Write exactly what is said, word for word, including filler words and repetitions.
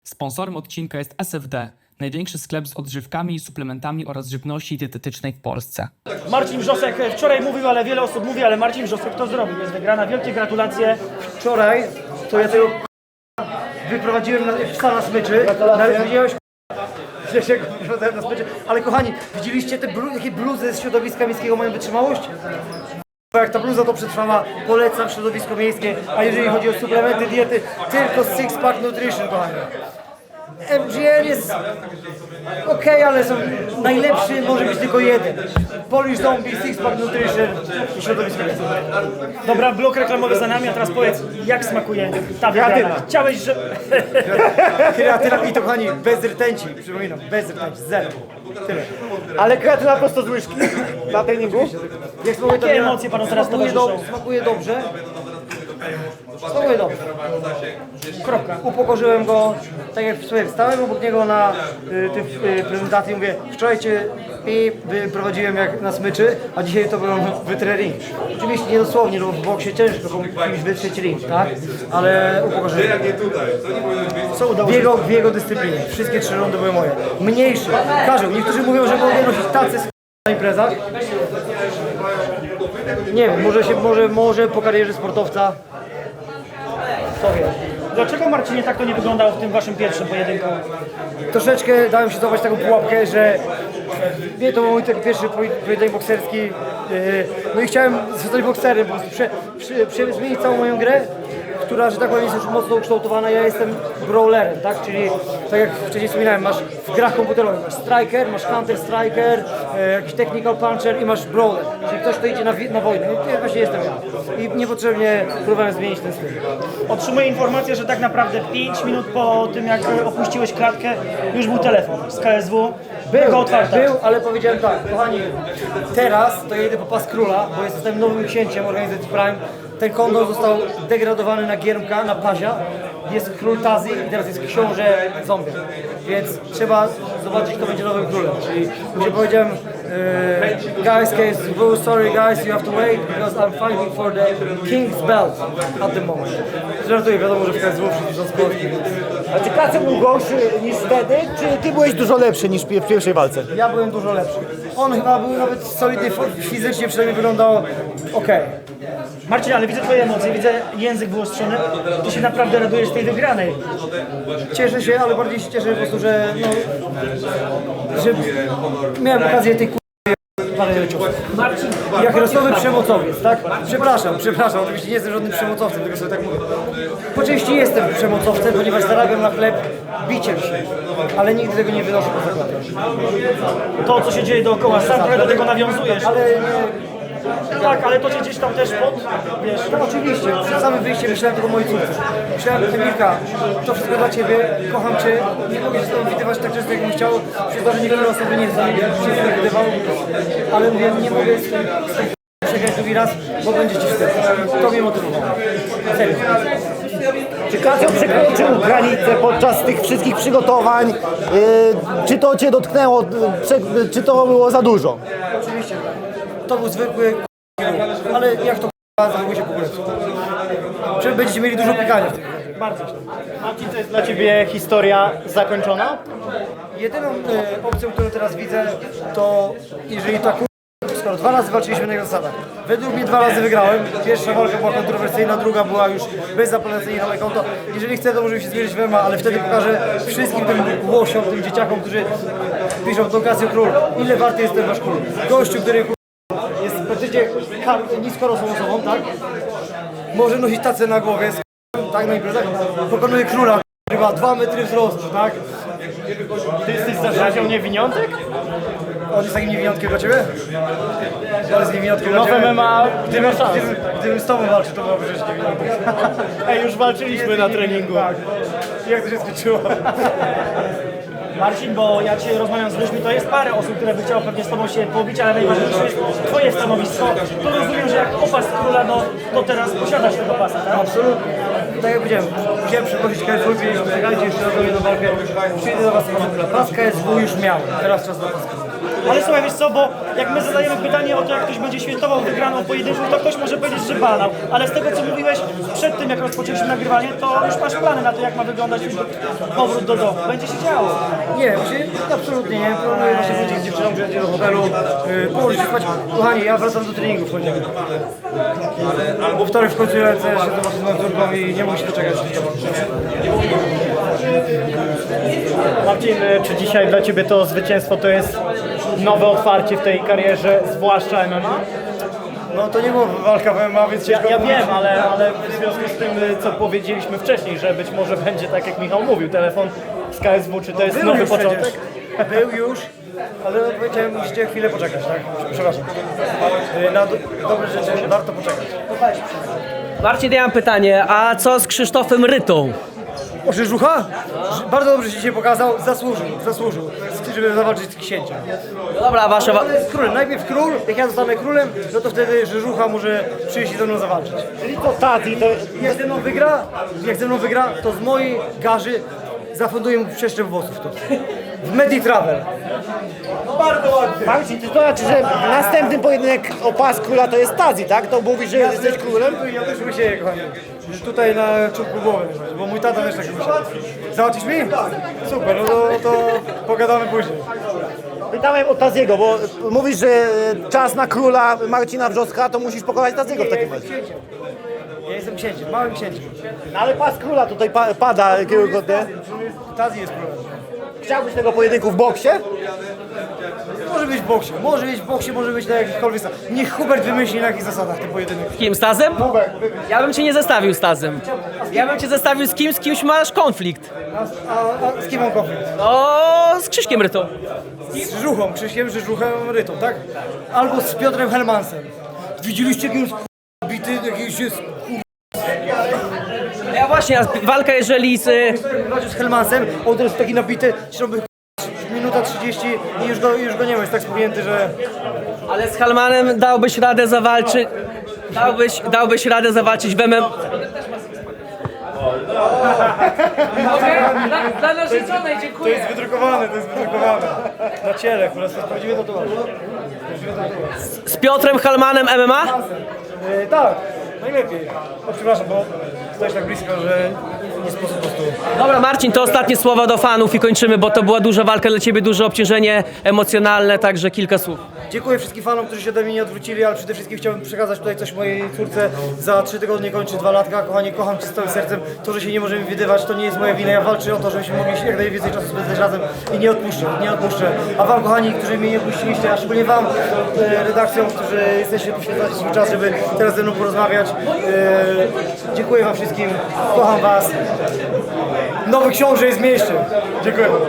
Sponsorem odcinka jest S F D, największy sklep z odżywkami i suplementami oraz żywności dietetycznej w Polsce. Marcin Wrzosek wczoraj mówił, ale wiele osób mówi, ale Marcin Wrzosek to zrobił. Jest wygrana. Wielkie gratulacje. Wczoraj to ja tego wyprowadziłem na, psa na smyczy. Nawet widziałeś że się wyprowadzałem na smyczy. Ale kochani, widzieliście te blu, jakie bluzy z środowiska miejskiego mają wytrzymałość? Jak ta bluza to przetrwała, polecam środowisko miejskie, a jeżeli chodzi o suplementy diety, tylko Six Pack Nutrition, kochani. M G N jest ok, ale są najlepszy może być tylko jeden. Polish Zombie, Six Pack Nutrition i środowisko miejskie. Dobra, blok reklamowy za nami, a teraz powiedz, jak smakuje ta wygrana. Kreatyna. Chciałeś, że... Kreatyna i to kochani, bez rtęci, przypominam, bez rtęci, zero. Tyle. Ale kreatyna prosto z łyżki na treningu? Jak smakuje to Jakie emocje panu teraz smakuje, towarzyszą? smakuje dobrze. Smakuje dobrze. Kropka. Upokorzyłem go, tak jak sobie wstałem obok niego na y, tym y, prezentacji, mówię, wczoraj cię i wyprowadziłem jak na smyczy, a dzisiaj to byłem wytrę ring. Oczywiście nie dosłownie, no w boksie ciężko komuś wytrzeć ring, tak? Ale upokorzyłem. Co udało W się? jego, w jego dyscyplinie. Wszystkie trzy rundy były moje. Mniejsze. Każą. Niektórzy mówią, że mogę nosić tacy z na imprezach. Nie wiem, może się, może, może po karierze sportowca. Kto wie. Dlaczego, Marcinie, tak to nie wyglądało w tym waszym pierwszym pojedynku? Troszeczkę dałem się złapać taką pułapkę, że nie, to był mój taki pierwszy pojedynek bokserski. Yy, no i chciałem zostać bokserem, po prostu prze, prze, prze, zmienić całą moją grę, która, że tak powiem, jest już mocno ukształtowana. Ja jestem brawlerem, tak? Czyli tak jak wcześniej wspominałem, masz w grach komputerowych masz striker, masz counter striker, e, jakiś technical puncher i masz brawler, czyli ktoś, kto idzie na, na wojnę. I właśnie jestem ja. I niepotrzebnie próbowałem zmienić ten styl. Otrzymuję informację, że tak naprawdę pięć minut po tym, jak opuściłeś klatkę, już był telefon z K S W. Był, otwarta. Był, ale powiedziałem tak, kochani, teraz to ja idę po pas króla, bo jestem nowym księciem organizacji Prime. Ten kondor został degradowany na giermka, na pazia. Jest król Tazi i teraz jest książę zombie. Więc trzeba zobaczyć, kto będzie nowym królem. Czyli już powiedziałem, e, guys, case, oh, sorry guys, you have to wait because I'm fighting for the king's belt at the moment. Żartuję, wiadomo, że w K S W wszyscy są z Polski. A czy Kacem był gorszy niż wtedy, czy ty byłeś dużo lepszy niż w pierwszej walce? Ja byłem dużo lepszy. On chyba był nawet solidny fizycznie, przynajmniej wyglądał ok. Marcin, ale widzę twoje emocje, widzę język wyostrzony. Ty się naprawdę radujesz z tej wygranej. Cieszę się, ale bardziej się cieszę po prostu, że, no, że miałem okazję tej k***y parę ciosów. Jak rosłowy przemocowiec, tak? Przepraszam, przepraszam, oczywiście nie jestem żadnym przemocowcem, tylko sobie tak mówię. Po części jestem przemocowcem, ponieważ zarabiam na chleb biciem się, ale nigdy tego nie wynoszę poza klatę. To, co się dzieje dookoła, sam trochę do tego nawiązujesz. Ale nie... Tak, ale to cię gdzieś tam też pod... Wiesz, No oczywiście, przed samym wyjściem myślałem tylko o mojej córce. Myślałem, Emilka, to wszystko dla Ciebie, kocham Cię, nie mogę się z Tobą widywać tak często, jakbym chciał. Przez to, że niektóre osoby nie chcą, się z tym wydawało, ale mówię, nie mogę z tym z tym przegrać drugi raz, bo będzie Ci wstyd. To mnie motywowało. Serio. Czy Kacem przekroczył granicę podczas tych wszystkich przygotowań? Yy, czy to cię dotknęło? Prze- czy to było za dużo? Oczywiście, to był zwykły k***a, ale jak to k***a, zachowuje się po prostu. Czy będziecie mieli dużo pikania w tym. bardzo. Marcin, to jest dla ciebie historia zakończona? Jedyną e, opcją, którą teraz widzę, to jeżeli ta kur... skoro dwa razy walczyliśmy na jego zasadach. Według mnie dwa razy wygrałem. Pierwsza walka była kontrowersyjna, druga była już bezapelacyjna na moje konto. Jeżeli chcę, to możemy się zmierzyć w M M A, ale wtedy pokażę wszystkim tym łosiom, tym dzieciakom, którzy piszą do Casio Król, ile warty jest ten wasz król. Gościu, który kur... jest praktycznie niskorosłą osobą, tak? Może nosić tacę na głowie, z... tak na imprezach. Pokonuje króla, który ma dwa metry wzrostu, tak? Ty jesteś zarzecią niewiniątek? On jest takim niewiniątkiem dla Ciebie? On jest niewiniątkiem dla No w Ciebie? M M A Gdybym, nie ma szans. gdybym, gdybym z Tobą walczył, to byłoby rzecz niewiniątek. Ej, już walczyliśmy na treningu. Tak. Jak to się skończyło? Marcin, bo jak się rozmawiam z ludźmi, to jest parę osób, które by chciało pewnie z tobą się pobić, ale najważniejsze jest twoje stanowisko. To rozumiem, że jak opas króla, no to teraz posiadasz tego pasa, tak? Absolutnie. Tak jak powiedziałem, musiałem przeprosić K S W, powiedzieliśmy, czekajcie jeszcze raz do mnie na walkę. Przyjdę do Was na pas K S W już miałem, teraz czas na pas. Ale słuchaj, wiesz co, bo jak my zadajemy pytanie o to, jak ktoś będzie świętował wygraną pojedynku, to ktoś może powiedzieć, że banał. Ale z tego, co mówiłeś przed tym, jak rozpoczęliśmy nagrywanie, to już masz plany na to, jak ma wyglądać już powrót do domu. Będzie się działo. Nie, właśnie absolutnie nie. Planuję właśnie wrócić z dziewczyną, przyjechać do hotelu, yy, położyć się spać. Kochani, ja wracam do treningu w poniedziałek. Albo wtorek w końcu lecę, się zobaczę z moją córką i nie mogę się doczekać. Marcin, czy dzisiaj dla Ciebie to zwycięstwo to jest nowe otwarcie w tej karierze, zwłaszcza M M A? No to nie była walka w M M A, więc Ja, ciężko ja powiedzieć. wiem, ale, ale w związku z tym, co powiedzieliśmy wcześniej, że być może będzie tak jak Michał mówił, telefon z K S W, czy to jest Był nowy już początek? przecież. Był już, ale powiedziałem, musicie chwilę poczekać, tak? Przepraszam. Yy, Na do, dobre rzeczy warto poczekać. Marcin, ja mam pytanie, a co z Krzysztofem Rytą? O, Rzeżucha? Bardzo dobrze się dzisiaj pokazał, zasłużył, zasłużył, żeby zawalczyć z księciem. No dobra, wasza... Wa- Ale jest królem, najpierw król, jak ja zostanę królem, no to wtedy Rzeżucha może przyjść i ze mną zawalczyć. Czyli to Tati, to Jak ze mną wygra, jak ze mną wygra, to z mojej garzy zafunduję mu przeszczep włosów tu. W Meditravel. Marcin, to znaczy, że następny pojedynek o pas króla to jest Tazi, tak? To mówisz, że jesteś królem? Ja też myślę, kochani, że tutaj na czubku głowy, bo mój tata też tak myślał. Załatwisz mi? Super, no to, to pogadamy później. Pytałem o Taziego, bo mówisz, że czas na króla Marcina Wrzoska, to musisz pokonać Taziego w takim razie. Ja jestem księciem, małym księciem. No ale pas króla tutaj pa pada kierunkotnie. Tazi jest królem. Chciałbyś tego pojedynku w boksie? Może być w boksie, może być w boksie, może być na jakichkolwiek zasadach. Niech Hubert wymyśli na jakich zasadach ten pojedynek. Kim, Stazem? Ja bym cię nie zestawił z Stazem. Ja bym cię zestawił z kim, z kimś masz konflikt. A, a, a z kim mam konflikt? O, z Krzyśkiem Rytą. Z Rzeżuchą, Krzyśkiem Rzeżuchem Rytą, tak? Albo z Piotrem Helmansem. Widzieliście jaki jest k***a bity, jakiś jest Ja właśnie, a walka jeżeli z... y, k***a z Helmansem, on to jest taki nabity, śroby minuta trzydzieści i już go, już go nie ma, jest tak spuchnięty, że... Ale z Halmanem dałbyś radę zawalczyć... Dałbyś, dałbyś radę zawalczyć w M M A? Dla narzeczonej, To dziękuję. jest wydrukowane, to jest wydrukowane. Na ciele, po prostu prawdziwie tatuaż. Z Piotrem Halmanem M M A? E, tak, najlepiej. O, przepraszam, bo stoisz tak blisko, że nie sposób po prostu... Dobra, Marcin, to ostatnie słowa do fanów i kończymy, bo to była duża walka dla ciebie, duże obciążenie emocjonalne, także kilka słów. Dziękuję wszystkim fanom, którzy się ode mnie nie odwrócili, ale przede wszystkim chciałbym przekazać tutaj coś mojej córce. Za trzy tygodnie kończy dwa latka. Kochanie, kocham cię z całym sercem. To, że się nie możemy widywać, to nie jest moja wina. Ja walczę o to, żebyśmy mogli jak najwięcej czasu spędzać razem i nie odpuszczę, nie odpuszczę. A wam, kochani, którzy mnie nie odpuściliście, a szczególnie wam, e, redakcją, którzy jesteście, poświęcacie swój czas, żeby teraz ze mną porozmawiać. E, dziękuję wam wszystkim, kocham was. Nowy książę jest w mieście. Dziękuję.